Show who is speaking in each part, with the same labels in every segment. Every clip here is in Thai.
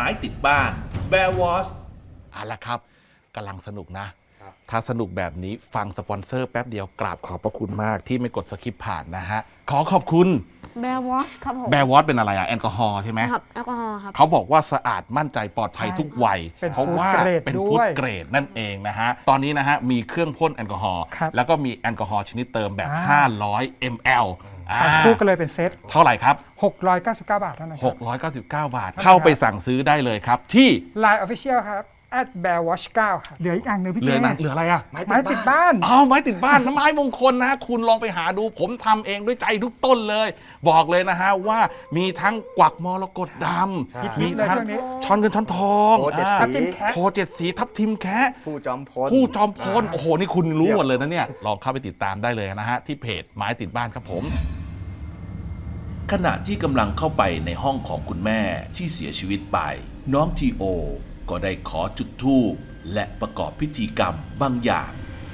Speaker 1: ม้ติดบ้าน Bear Wars
Speaker 2: เอาละครับกำลังสนุกนะ ถ้าสนุกแบบนี้ฟังสปอนเซอร์แป๊บเดียวกราบขอบพระคุณมากที่ไม่กดสคิปผ่านนะฮะขอขอบคุณ
Speaker 3: แบร์วอชครับผม
Speaker 2: แบร์วอตเป็นอะไรอะแอลกอฮอล์ใช่ไหม
Speaker 3: ครับแอลกอฮอล์ครับ
Speaker 2: เขาบอกว่าสะอาดมั่นใจปลอดภัยทุกวัย
Speaker 4: เป็น
Speaker 2: เพราะว่า
Speaker 4: ฟู้ดเกรด
Speaker 2: เป็น
Speaker 4: ด้วย
Speaker 2: ฟู้ดเกรดนั่นเองนะฮะตอนนี้นะฮะมีเครื่องพ่นแอลกอฮอล์
Speaker 4: ครับ
Speaker 2: แล้วก็มีแอลกอฮอล์ชนิดเติมแบบ 500 ml
Speaker 4: ทานคู่กันเลยเป็นเซต
Speaker 2: เท่าไหร่ครับ
Speaker 4: 699 บาทเท่านั้นครับ
Speaker 2: 699 บาท เข้าไปสั่งซื้อได้เลยครับ ที่
Speaker 4: Line Official ครับ @bearwatch 9ครับเหลืออีกอันหนึงพี่
Speaker 2: เหลื
Speaker 4: เจ
Speaker 2: อนะเหลืออะไรอะ
Speaker 4: ไม้ติดบ้าน
Speaker 2: อ๋อไม้ติดบ้าน น้ำไม้มงคลนะฮะคุณลองไปหาดูผมทำเองด้วยใจทุกต้นเลย บอกเลยนะฮะว่ามีทั้งกวักมรกตดำ
Speaker 4: ฮิ
Speaker 2: มี
Speaker 4: ตๆเลย
Speaker 2: ทั้ง
Speaker 4: ช่วงนี้
Speaker 2: ช้อนเงินช้อนทอง
Speaker 5: โพเจ็ด
Speaker 2: อ่า
Speaker 5: สี
Speaker 2: โพเจ็ดสีทับทิมแคะ
Speaker 5: ผู้จอมพล
Speaker 2: ผู้จอมพลโอ้โห นี่คุณรู้หมดเลยนะเนี่ย ลองเข้าไปติดตามได้เลยนะฮะ ที่เพจไม้ติดบ้านครับผม
Speaker 1: ขณะที่กำลังเข้าไปในห้องของคุณแม่ที่เสียชีวิตไป น้องทีโอก็ได้ขอจุดธูปและประกอบพิธีกรรมบางอย่าง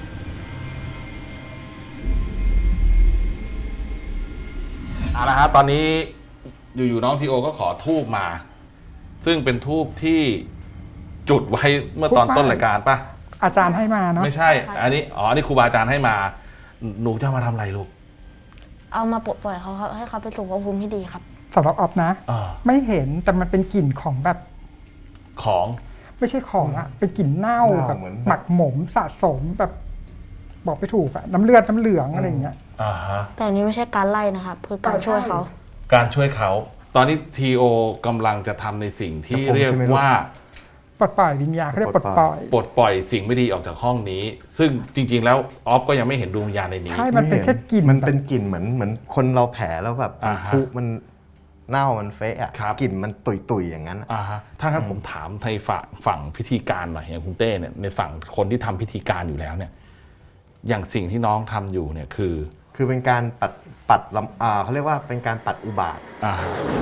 Speaker 2: เอาละครับตอนนี้อยู่ๆน้องทีโอก็ขอทูบมา ซึ่งเป็นทูบที่จุดไว้เมื่อตอนต้นรายการปะ
Speaker 4: อาจารย์ให้มาเนาะ
Speaker 2: ไม่ใช่ อันนี้อันนี้ครูบาอาจารย์ให้มา หนูจะมาทำอะไรลูก
Speaker 3: เอามาปลดปล่อยเขาครับให้เขาไปสู่ภพภูมิที่ดีครับ
Speaker 4: สำหรับออฟนะ ไม่เห็นแต่มันเป็นกลิ่นของแบบ
Speaker 2: ของ
Speaker 4: ไม่ใช่ของอะเป็นกลิ่นเน่าแบบ
Speaker 5: เหมือน
Speaker 4: หมักหมมสะสมแบบ บอกไม่ถูกอะน้ำเลือดน้ำเหลืองอะไรอย่างเงี้ย
Speaker 2: อ่าฮะ
Speaker 3: แต่อันนี้ไม่ใช่การไล่นะครับคือการช่วยเขา
Speaker 2: การช่วยเขา ตอนนี้ทีโอกำลังจะทำในสิ่งที่เรียกว่า
Speaker 4: ปลดปล่อยวิญญาณเขาเรียกปลดปล่อย
Speaker 2: ปลดปล่อยสิ่งไม่ดีออกจากห้องนี้ ซึ่งจริง ๆ แล้วออฟก็ยังไม่เห็นดวงวิญญาณในนี้
Speaker 4: ใช่ มันเป็นแค่กลิ่น
Speaker 5: มันเป็นกลิ่นเหมือนคนเราแผลแล้วแบบ
Speaker 2: อ่าฮะ
Speaker 5: คุมันเน่ามันเฟะอะ
Speaker 2: ครับ
Speaker 5: กลิ่นมันตุยๆอย่างนั้นอะ
Speaker 2: อ่าฮะถ้างั้นผมถามในฝั่งพิธีการหน่อยอย่างคุณเต้เนี่ยในฝั่งคนที่ทำพิธีการอยู่แล้วเนี่ย อย่างสิ่งที่น้องทำอยู่เนี่ยคือ
Speaker 5: เป็นการปัดเขาเรียกว่าเป็นการปัดอุบาท
Speaker 2: อ่า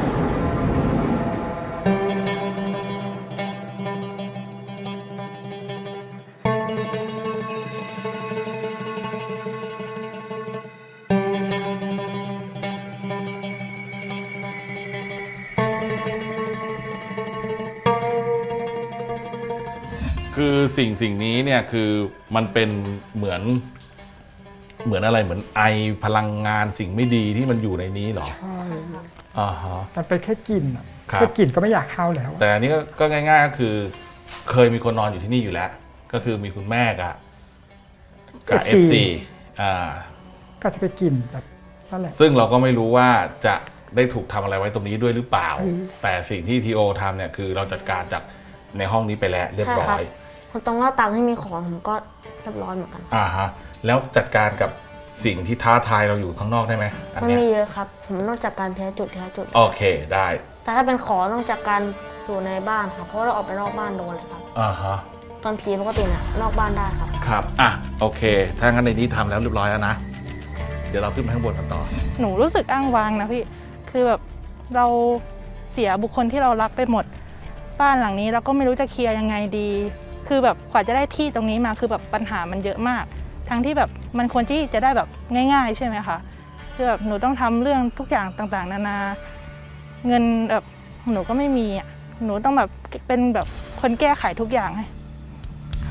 Speaker 2: คือสิ่งนี้เนี่ยคือมันเป็นเหมือนอะไรเหมือนไอพลังงานสิ่งไม่ดีที่มันอยู่ในนี้เหรอ
Speaker 4: ใช่
Speaker 2: อ่าฮะ
Speaker 4: มันเป็นแค่กลิ่นอะ
Speaker 2: ครับ
Speaker 4: แค่กลิ่นก็ไม่อยากเข้าแล้วอะ
Speaker 2: แต่อันนี้ก็ง่ายๆก็คือ เคยมีคนนอนอยู่ที่นี่อยู่แล้ว ก็คือมีคุณแม่กับ FC อ่า
Speaker 4: ก็จะไปกลิ่นแบบนั่นแหละ
Speaker 2: ซึ่งเราก็ไม่รู้ว่าจะได้ถูกทำอะไรไว้ตรงนี้ด้วยหรือเปล่า แต่สิ่งที่ทีโอทำเนี่ยคือเราจัดการจากในห้องนี้ไปแล้วเรียบร้อย
Speaker 3: คนตรงหน้าต่างที่มีของผมก็เรียบร้อยเหมือนกัน
Speaker 2: อ่าฮะแล้วจัดการกับสิ่งที่ท้าทายเราอยู่ข้างนอกได้ไหมอัน
Speaker 3: มัน
Speaker 2: เนี้ย
Speaker 3: มีเยอะครับ ผมต้องจัดการทีละจุดทีละจุด
Speaker 2: โอเคได้
Speaker 3: แต่ถ้าเป็นของต้องจัดการอยู่ในบ้านครับเพราะว่าเราออกไปนอกบ้านโดนเลยครับ
Speaker 2: อ่าฮะ
Speaker 3: ตอนผีปกติเนี่ยนอกบ้านได้ครับ
Speaker 2: ครับอ่ะโอเค ถ้างั้นในนี้ทำแล้วเรียบร้อยแล้วนะ เดี๋ยวเราขึ้นไปข้างบนกันต่อ
Speaker 6: หนูรู้สึกอ้างว้างนะพี่ คือแบบเราเสียบุคคลที่เรารักไปหมด บ้านหลังนี้เราก็ไม่รู้จะเคลียร์ยังไงดี คือแบบกว่าจะได้ที่ตรงนี้มาคือแบบปัญหามันเยอะมาก ทั้งที่แบบมันควรที่จะได้แบบง่าย ๆ ใช่ไหมคะ คือแบบหนูต้องทำเรื่องทุกอย่างต่างๆ นานา เงินแบบหนูก็ไม่มีอ่ะ หนูต้องแบบเป็นแบบคนแก้ไขทุกอย่างให้ค่ะ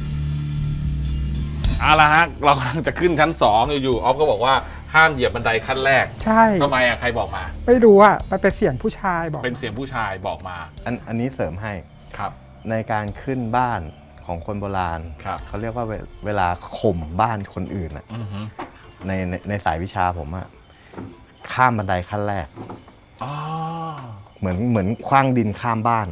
Speaker 2: เอาละฮะเรากำลังจะขึ้นชั้น2อยู่ๆออฟก็บอกว่าห้ามเหยียบบันไดขั้นแรก
Speaker 4: ใช่
Speaker 2: ทำไมอ่ะใครบอกมา
Speaker 4: ไม่รู้อะมันเป็นเสียงผู้ชายบอก
Speaker 2: เป็นเสียงผู้ชายบอกมา
Speaker 5: อันนี้เสริมให้
Speaker 2: ครับ
Speaker 5: ในการขึ้นบ้านของคนโบราณ
Speaker 2: ครับ
Speaker 5: เขาเรียกว่าเวลาข่มบ้านคนอื่นอะ
Speaker 2: อือฮึ
Speaker 5: ในสายวิชาผมอะข้ามบันไดขั้นแรก
Speaker 2: อ๋อ
Speaker 5: เหมือนคว้างดินข้ามบ้านอะ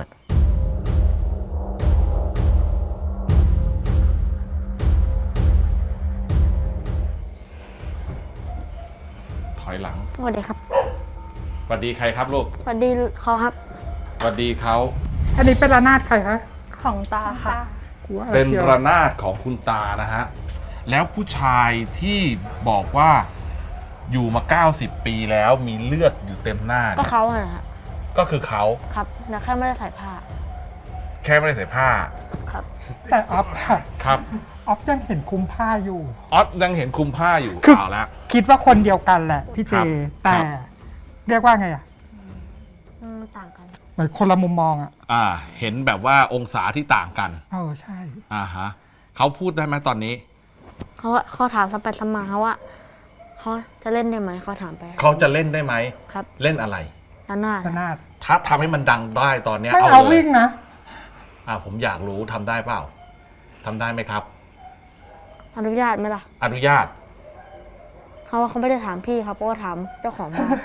Speaker 2: ถอยหลัง
Speaker 3: สวัสดีครับ
Speaker 2: สวัสดีใครครับลูก
Speaker 3: สวัสดีเขาครับ
Speaker 2: สวัสดีเขา
Speaker 4: อันนี้เป็นระนาดใครคะ
Speaker 6: ของตาค่ะ
Speaker 4: กูว่า
Speaker 2: เป็น
Speaker 4: ชียว
Speaker 2: ระนาดของคุณตานะฮะแล้วผู้ชายที่บอกว่าอยู่มา90 ปีแล้วมีเลือดอยู่เต็มหน้า
Speaker 3: ก็
Speaker 2: เนี่ย
Speaker 3: เขาอะนะฮะ
Speaker 2: ก็คือเขา
Speaker 3: ครับแต่แค่ไม่ได้ใส่ผ้า
Speaker 2: แค่ไม่ได้ใส่ผ้า
Speaker 3: ครับ
Speaker 4: แต่ออฟอะ
Speaker 2: ครับ
Speaker 4: ออฟยังเห็นคุมผ้าอยู่
Speaker 2: ออสยังเห็นคลุมผ้าอยู่
Speaker 4: คือ
Speaker 2: เอาละ
Speaker 4: คิดว่าคนเดียวกันแหละพี่เจ
Speaker 2: ครับ
Speaker 4: แต่
Speaker 2: ครับ
Speaker 4: เรียกว่าไงอะ
Speaker 3: ต่างกัน
Speaker 4: เหมือนคนละมุมมองอ่ะ
Speaker 2: เห็นแบบว่าองศาที่ต่างกัน
Speaker 4: ใช่
Speaker 2: ฮะเขาพูดได้ไหมตอนนี้
Speaker 3: เขาถามซ้ำไปซ้ำมาเขาว่าเขาจะเล่นได้ไหมเขาถามไป
Speaker 2: เขาจะเล่นได้ไหม
Speaker 3: ครับ
Speaker 2: เล่นอะไร
Speaker 3: ระนาด
Speaker 4: ระนาด
Speaker 2: ถ้าทำให้มันดังได้ตอนเนี้ย
Speaker 4: ไม่
Speaker 2: เอา
Speaker 4: เอา
Speaker 2: เลย
Speaker 4: วิ่งนะ
Speaker 2: ผมอยากรู้ทำได้เปล่าทำได้ไหมครับ
Speaker 3: อนุญาตไหมล่ะ
Speaker 2: อนุญาต
Speaker 3: เขาว่าเขาไม่ได้ถามพี่ครับเพราะว่าถามเจ้าของบ้าน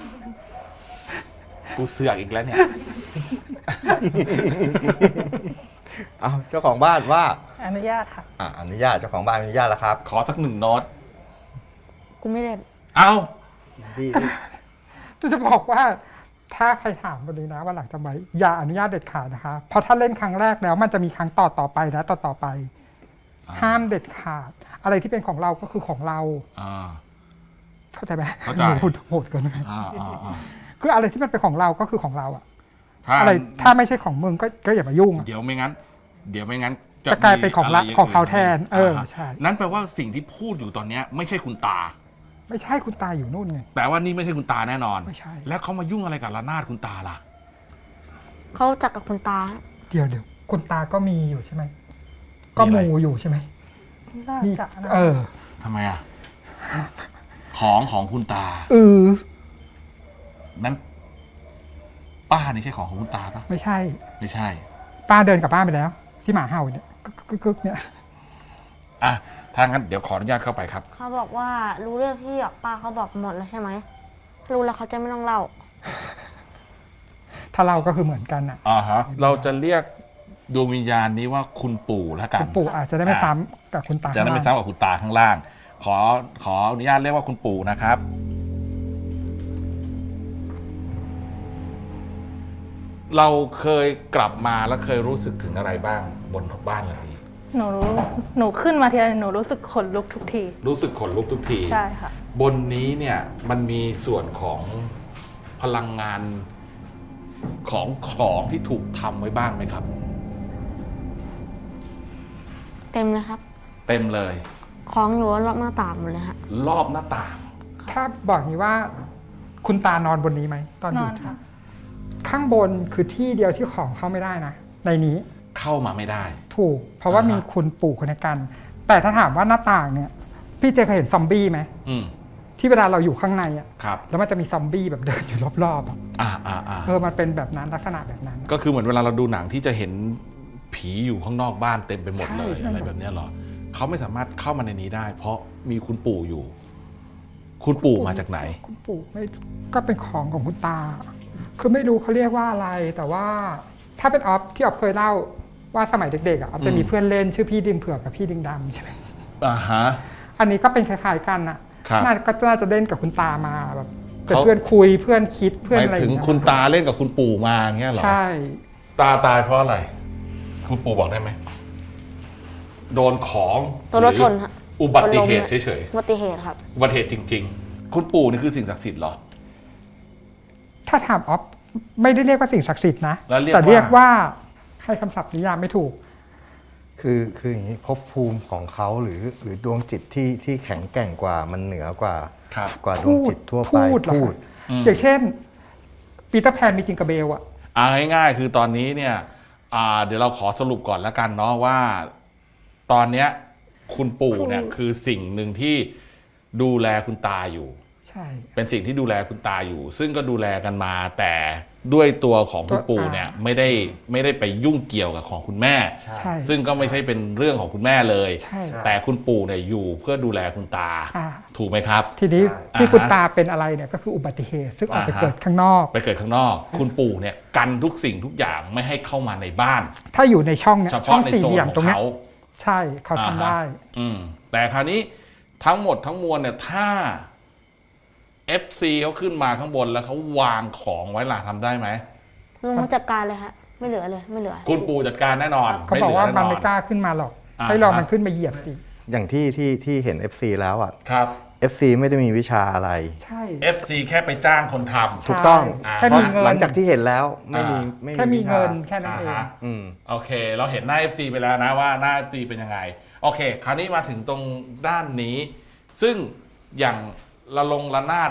Speaker 2: กูเสือกอีกแล้วเนี่ย
Speaker 5: เอาเจ้าของบ้านว่า
Speaker 6: อนุญาตค่ะ
Speaker 5: อนุญาตเจ้าของบ้านอนุญาตแล้วครับ
Speaker 2: ขอสัก1 โน้ต
Speaker 3: กูไม่เล่น
Speaker 2: เอา
Speaker 5: ดี
Speaker 4: จะบอกว่าถ้าใครถามวันนี้นะว่าหลังจากไหมอย่าอนุญาตเด็ดขาดนะคะเพราะถ้าเล่นครั้งแรกแล้วมันจะมีครั้งต่อไปนะต่อไป ห้ามเด็ดขาด อะไรที่เป็นของเราก็คือของเรา เข้าใจไหม
Speaker 2: เข้าใจ
Speaker 4: โหดเกินไป
Speaker 2: อ่า
Speaker 4: คืออะไรที่มันเป็นของเราก็คือของเราอะ
Speaker 2: ถ้า
Speaker 4: อะไรถ้าไม่ใช่ของมึงก็อย่ามายุ่งอะ
Speaker 2: เดี๋ยวไม่งั้น
Speaker 4: จะกลายเป็นของ
Speaker 2: มีะไร
Speaker 4: ของเขาแทน ใช่
Speaker 2: นั่นแปลว่าสิ่งที่พูดอยู่ตอนเนี้ยไม่ใช่คุณตา
Speaker 4: ไม่ใช่คุณตาอยู่นู่นไง
Speaker 2: แปลว่านี่ไม่ใช่คุณตาแน่นอน
Speaker 4: ไม่ใช่
Speaker 2: แล้วเขามายุ่งอะไรกับระนาดคุณตาล่ะ
Speaker 3: เขาจักกับคุณตา
Speaker 4: เดี๋ยวคุณตาก็มีอยู่ใช่ไหมก็มูอยู่ใช่ไหม
Speaker 6: น่า
Speaker 4: มี
Speaker 6: จะนะ
Speaker 2: ทำไมอ่ะ ของคุณตา นั้นป้านี่ใช่ของคุณตาปะ
Speaker 4: ไม่ใช่
Speaker 2: ไม่ใช่
Speaker 4: ป้าเดินกลับบ้านไปแล้ว ที่หมาเห่าเนี่ยกึกเนี่ย
Speaker 2: ถ้างั้นเดี๋ยวขออนุญาตเข้าไปครับ
Speaker 3: เขาบอกว่ารู้เรื่องที่ป้าเขาบอกหมดแล้วใช่ไหมรู้แล้วเขาจะไม่ต้องเล่า
Speaker 4: ถ้าเราก็คือเหมือนกันอ่ะ
Speaker 2: เราจะเรียกดวงวิญญาณนี้ว่าคุณปู่แล้วกัน
Speaker 4: คุณปู่อาจจะได้ไม่ซ้ำกับคุณตา
Speaker 2: จะได้ไม่ซ้ำกับคุณตาข้างล่าง ขออนุญาตเรียกว่าคุณปู่นะครับ เราเคยกลับมาแล้วเคยรู้สึกถึงอะไรบ้างบนบ้านหลังนี้
Speaker 6: หนูขึ้นมาทีไรหนูรู้สึกขนลุกทุกที
Speaker 2: รู้สึกขนลุกทุกที
Speaker 6: ใช่ค่ะ
Speaker 2: บนนี้เนี่ยมันมีส่วนของพลังงานของที่ถูกทำไว้บ้างไหมครับ
Speaker 3: เต็มเลยครับ
Speaker 2: เต็มเลย
Speaker 3: ของอยู่รอบหน้าต่างหมดเลยฮะ
Speaker 2: รอบหน้าต่าง
Speaker 4: ถ้าบอกอย่างนี้ว่า คุณตานอนบนนี้ไหมตอนอน ยู่
Speaker 6: ค่ะ
Speaker 4: ข้างบนคือที่เดียวที่ของเข้าไม่ได้นะในนี้
Speaker 2: เข้ามาไม่ได้
Speaker 4: ถูก เพราะว่ามีคุณปู่คนในกัน แต่ถ้าถามว่าหน้าต่างเนี่ย พี่เจเคยเห็นซอมบี้ไหม ที่เวลาเราอยู่ข้างในอ่ะ
Speaker 2: ครับ
Speaker 4: แล้วมันจะมีซอมบี้แบบเดินอยู่รอบๆอะ มันเป็นแบบนั้นลักษณะแบบนั้น
Speaker 2: ก็คือเหมือนเวลาเราดูหนังที่จะเห็นผีอยู่ข้างนอกบ้านเต็มไปหมดเลย
Speaker 4: ใช่
Speaker 2: อะไรแบบเนี้ยเหรอเขาไม่สามารถเข้ามาในนี้ได้ เพราะมีคุณปู่อยู่ คุณปู่มาจากไหน
Speaker 4: คุณปู่ไม่ก็เป็นของคุณตา คือไม่รู้เขาเรียกว่าอะไร แต่ว่าถ้าเป็นออฟที่ออฟเคยเล่าว่าสมัยเด็กๆอ่ะออฟจะมีเพื่อนเล่นชื่อพี่ดิงเผือกกับพี่ดิงดำใช่ไหม อันนี้ก็เป็นคล้ายๆกันอ่ะ
Speaker 2: ครับ
Speaker 4: น่าจะเล่นกับคุณตามาแบบเป็น
Speaker 2: เขา
Speaker 4: เพื่อนคุยเพื่อนคิดเพื่อน
Speaker 2: หมาย
Speaker 4: อะไรอ
Speaker 2: ถึ
Speaker 4: ย่าง งเงี้ย
Speaker 2: คุณตาเล่นกับคุณปู่มาอย่างเงี้ยเหรอ
Speaker 4: ใช่
Speaker 2: ตาตายเพราะอะไร คุณปู่บอกได้ไหมโดนของ
Speaker 3: ตัวรถชนฮะ
Speaker 2: อุบัติเหตุเฉย
Speaker 3: อุบัติเหตุครับ
Speaker 2: ๆอุบัติเหตุจริง ๆ คุณปู่นี่คือสิ่งศักดิ์สิทธิ์เหรอ
Speaker 4: ถ้าถามออฟไม่ได้เรียกว่าสิ่งศักดิ์สิทธิ์นะ
Speaker 2: แล้วเรียก
Speaker 4: แต่
Speaker 2: ว่า
Speaker 4: เรียกว่าให้คำศัพท์นิยามไม่ถูก
Speaker 5: คืออย่างนี้ภพภูมิของเขาหรือดวงจิตที่แข็งแกร่งกว่ามันเหนือกว่า
Speaker 2: ครับ
Speaker 5: กว่าดวงจิตทั่วไป
Speaker 4: พูดเหรอ อย่างเช่นปีเตอร์แพนมีจิงกระเบลอะ
Speaker 2: ง่ายๆคือตอนนี้เนี่ยเดี๋ยวเราขอสรุปก่อนแล้วกันเนาะว่า ตอนเนี้ยคุณปู่เนี่ยคือสิ่งหนึ่งที่ดูแลคุณตาอยู่
Speaker 4: ใช่
Speaker 2: เป็นสิ่งที่ดูแลคุณตาอยู่ ซึ่งก็ดูแลกันมา แต่ด้วยตัวของคุณปู่เนี่ยไม่ได้ไปยุ่งเกี่ยวกับของคุณแม่
Speaker 4: ใช่
Speaker 2: ซึ่งก็ไม่ใช่เป็นเรื่องของคุณแม่เลย
Speaker 4: ใช่
Speaker 2: แต่คุณปู่เนี่ยอยู่เพื่อดูแลคุณตา
Speaker 4: อ่า
Speaker 2: ถูกไหมครับ
Speaker 4: ทีนี้
Speaker 2: อ่า
Speaker 4: ที่คุณ
Speaker 2: ฮะ
Speaker 4: ตาเป็นอะไรเนี่ยก็คืออุบัติเหตุ ซึ่งออกไป
Speaker 2: อ่าฮะ
Speaker 4: เกิดข้างนอก
Speaker 2: ไปเกิดข้างนอก คุณปู่เนี่ยกันทุกสิ่งทุกอย่างไม่ให้เข้ามาในบ้าน
Speaker 4: ถ้าอยู่ในช่องเนี่ย
Speaker 2: เฉ
Speaker 4: ช่อ
Speaker 2: พาะ
Speaker 4: ง
Speaker 2: ใน
Speaker 4: สี่
Speaker 2: โซ
Speaker 4: เห
Speaker 2: น
Speaker 4: ลี่ยม
Speaker 2: ของ
Speaker 4: ตรงเนี้ย
Speaker 2: เขา
Speaker 4: ใช่เขาทำได้
Speaker 2: แต่คราวนี้ทั้งหมดทั้งมวลเนี่ยถ้า FC เขาขึ้นมาข้างบนแล้วเขาวางของไว้ล่ะทำได้ไหม
Speaker 3: ลงมาจัดการเลยฮะ ไม่เหลือเลย ไม่เหลือ
Speaker 2: คุณปู่จัดการแน่นอน
Speaker 4: เขาบอกว่า
Speaker 2: ไเหลื
Speaker 4: มัน
Speaker 2: แ
Speaker 4: ไม่กล้าขึ้นมาหรอก
Speaker 2: อ่า
Speaker 4: ให้ลองมันขึ้นมาเหยียบสิ
Speaker 5: อย่างที่เห็น FC แล้วอ่ะ
Speaker 2: ครับ
Speaker 5: FC ไม่ได้มีวิชาอะไร
Speaker 4: ใช่
Speaker 2: FC แค่ไปจ้างคนทำ
Speaker 5: ถูกต้อง
Speaker 2: อ่า
Speaker 4: แค่
Speaker 5: เพ
Speaker 4: มี
Speaker 5: ราะ
Speaker 4: เงิน
Speaker 5: หลังจากที่เห็นแล้วไม่มี
Speaker 4: แค่มี
Speaker 5: วิชา
Speaker 4: เงินแค่นั้นเอง
Speaker 2: อ่าฮะ
Speaker 5: อืม
Speaker 2: โอเค เราเห็นหน้า FC ไปแล้วนะว่าหน้า FC เป็นยังไง โอเค คราวนี้มาถึงตรงด้านนี้ ซึ่งอย่างระนาดเนี่ย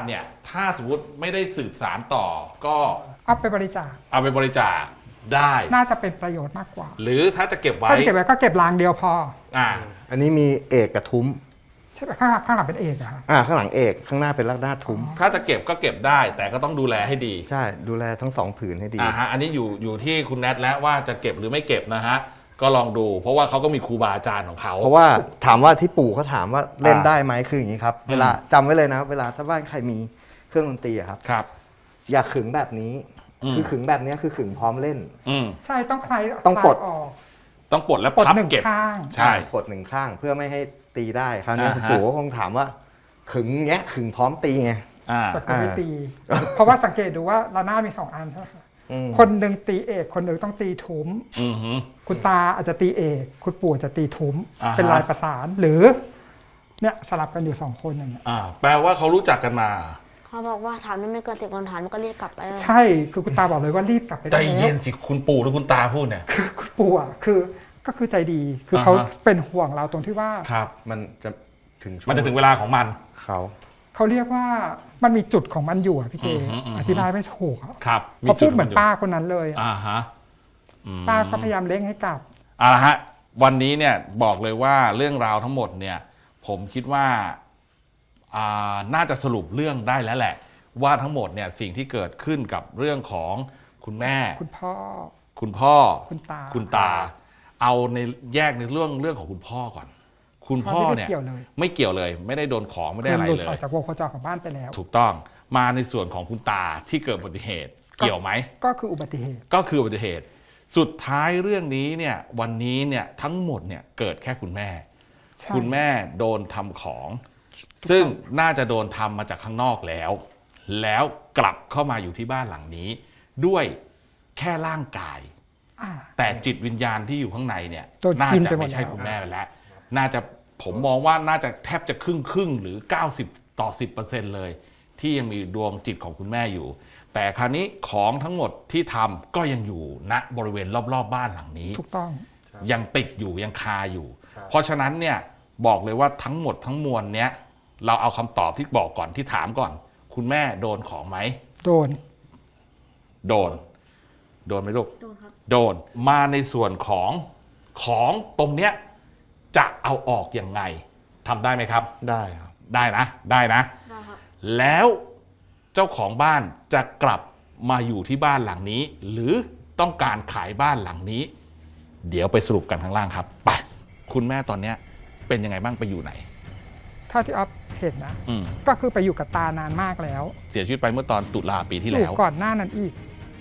Speaker 2: ถ้าสมมติไม่ได้สืบสารต่อก็
Speaker 4: เอาไปบริจาค
Speaker 2: เอาไปบริจาคได้
Speaker 4: น่าจะเป็นประโยชน์มากกว่า
Speaker 2: หรือถ้าจะเก็บไว้
Speaker 4: ถ้าจะเก็บไว้ก็เก็บรางเดียวพอ
Speaker 2: อ่า
Speaker 5: อันนี้มีเอกกับทุ้ม
Speaker 4: ใช่ไหมข้างหลังเป็นเอกอะครับ
Speaker 5: ข้างหลังเอกข้างหน้าเป็นลักหน้าทุ้ม
Speaker 2: ถ้าจะเก็บก็เก็บได้ แต่ก็ต้องดูแลให้ดี
Speaker 5: ใช่ดูแลทั้งสองผืนให้ดี
Speaker 2: ฮะอันนี้อยู่ที่คุณแนทแล้วว่าจะเก็บหรือไม่เก็บนะฮะก็ลองดู เพราะว่าเขาก็มีครูบาอาจารย์ของเขา
Speaker 5: เพราะว่าถามว่าที่ปู่เขาถามว่าเล่น
Speaker 2: อ่า
Speaker 5: ได้ไหมคืออย่างนี้ครับ เวลาจำไว้เลยนะ เวลาถ้าบ้านใครมีเครื่องดนตรีอะครับ
Speaker 2: ครับ
Speaker 5: อย่าขึงแบบนี้
Speaker 2: อืม
Speaker 5: คือขึงแบบนี้คือขึงพร้อมเล่น
Speaker 2: อืม
Speaker 4: ใช่ต้องคลาย
Speaker 5: ต้องปลด
Speaker 4: คายออก
Speaker 2: ต้องปลดแล้ว
Speaker 4: ปลด
Speaker 2: พับ
Speaker 4: หนึ่ง
Speaker 2: เก็บ
Speaker 4: ข้าง
Speaker 2: ใช่
Speaker 5: กดหนึ่งข้างเพื่อไม่ให้ตีได้คราวนี้
Speaker 2: อ่าฮะ
Speaker 5: คุณปู่ก็คงถามว่าขึงเงี้ยขึงพร้อมตีไง
Speaker 2: อ่า
Speaker 4: แต่คือไม่ตี เพราะว่าสังเกตดูว่าระนาดมี2 อันใช่ไหมคะ
Speaker 5: อืม
Speaker 4: คนหนึ่งตีเอกคนหนึ่งต้องตีทุ้ม
Speaker 2: อือหือ
Speaker 4: คุณตาอาจจะตีเอกคุณปู่อาจจะตีทุ้ม
Speaker 2: อ่าฮะ
Speaker 4: เป็นลายประสานหรือเนี่ยสลับกันอยู่2 คนอย่างเงี้ย
Speaker 2: แปลว่าเขารู้จักกันมา
Speaker 3: เขาบอกว่าถามไม่เกิน10 คำถามมันก็เรียกกลับไปเลย
Speaker 4: ใช่คือคุณตาบอกเลยว่ารีบกลับไป
Speaker 2: ใจ
Speaker 4: ได้
Speaker 2: เย็
Speaker 4: แล้ว
Speaker 2: นสิคุณปู่หรือคุณตาพูดเนี่ย
Speaker 4: คือคุณปู่อ่ะก็คือใจดีคือเขา
Speaker 2: อ่าฮะ
Speaker 4: เป็นห่วงเราตรงที่ว่า
Speaker 2: ครับ
Speaker 5: มันจะถึงช่ว
Speaker 2: มันจะถึงเวลาของมัน
Speaker 5: เขา
Speaker 4: เขาเรียกว่ามันมีจุดของมันอยู่อะพี่เจ
Speaker 2: อือฮึอือฮึ
Speaker 4: อธิบายไม่ถูกอะ
Speaker 2: ครับ
Speaker 4: เขาพูดเหมือน
Speaker 2: จุ
Speaker 4: ป้าคนนั้นเลยอะ
Speaker 2: อ่าฮะอืม
Speaker 4: ป้าก็พยายามเร่งให้กลับ
Speaker 2: เอาละฮะวันนี้เนี่ยบอกเลยว่าเรื่องราวทั้งหมดเนี่ย ผมคิดว่าน่าจะสรุปเรื่องได้แล้วแหละ ว่าทั้งหมดเนี่ยสิ่งที่เกิดขึ้นกับเรื่องของคุณแม่
Speaker 4: คุณพ่อ
Speaker 2: คุณพ่อ
Speaker 4: คุณตา
Speaker 2: คุณตา เอาในแยกในเรื่องของคุณพ่อก่อน คุณพ่อเนี่ย
Speaker 4: ไม่ได้เกี่ยวเลย
Speaker 2: ไม่เกี่ยวเลย ไม่ได้โดนของไม่ได้อะไร
Speaker 4: หลุด
Speaker 2: เล
Speaker 4: ออย กจากวงโคจรของบ้านไปแล้ว
Speaker 2: ถูกต้องมาในส่วนของคุณตาที่เกิดอุบัติเหตุ เกี่ยวไหม
Speaker 4: ก็คืออุบัติเหตุ
Speaker 2: ก็คืออุบัติเหตุ สุดท้ายเรื่องนี้เนี่ยวันนี้เนี่ยทั้งหมดเนี่ยเกิดแค่คุณแม่
Speaker 4: ใช่
Speaker 2: คุณแม่โดนทำของ ซึ่งน่าจะโดนทำมาจากข้างนอกแล้ว แล้วกลับเข้ามาอยู่ที่บ้านหลังนี้ ด้วยแค่ร่างกาย
Speaker 4: อ่า
Speaker 2: แต่จิตวิญญาณที่อยู่ข้างในเนี่ย
Speaker 4: โดน
Speaker 2: น่า
Speaker 4: กิน
Speaker 2: จะ
Speaker 4: ไปหมด
Speaker 2: ไม่ใช่
Speaker 4: แล้ว
Speaker 2: คุณแม่ไปแล้ว น่าจะผมมองว่าน่าจะแทบจะครึ่งหรือ 90 ต่อ 10% เลย ที่ยังมีดวงจิตของคุณแม่อยู่ แต่คราวนี้ของทั้งหมดที่ทำก็ยังอยู่ณบริเวณรอบๆบ้านหลังนี้
Speaker 4: ถูกต้อง
Speaker 2: ยังติดอยู่ยังคาอยู่ เพราะฉะนั้นเนี่ยบอกเลยว่าทั้งหมดทั้งมวลเนี้ยเราเอาคำตอบที่บอกก่อนที่ถามก่อน คุณแม่โดนของไหม
Speaker 4: โดน
Speaker 2: โดนไหมลูก
Speaker 3: โดนครับ
Speaker 2: โดนมาในส่วนของตรงเนี้ยจะเอาออกยังไงทำได้ไหมครับ
Speaker 5: ได้ครับ
Speaker 2: ได้นะ ได้นะ
Speaker 3: ได้ครับ
Speaker 2: แล้วเจ้าของบ้านจะกลับมาอยู่ที่บ้านหลังนี้ หรือต้องการขายบ้านหลังนี้ เดี๋ยวไปสรุปกันข้างล่างครับไปคุณแม่ตอนเนี้ยเป็นยังไงบ้างไปอยู่ไหน
Speaker 4: เท่าที่ออฟเห็นนะ
Speaker 2: อืม
Speaker 4: ก็คือไปอยู่กับตานานมากแล้ว
Speaker 2: เสียชีวิตไปเมื่อตอนตุลาปีที่
Speaker 4: อ
Speaker 2: แล้
Speaker 4: ยู่
Speaker 2: ว
Speaker 4: ก่อนหน้านั้นอีก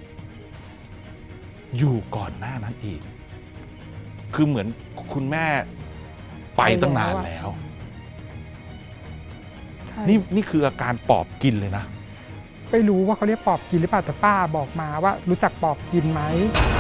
Speaker 2: อยู่ก่อนหน้านั้นอีก คือเหมือนคุณแม่ไปตั้งนานแล้ว
Speaker 4: ใช่
Speaker 2: นี่คืออาการปอบกินเลยนะ
Speaker 4: ไม่รู้ว่าเขาเรียกปอบกินหรือเปล่าแต่ป้าบอกมาว่ารู้จักปอบกินไหม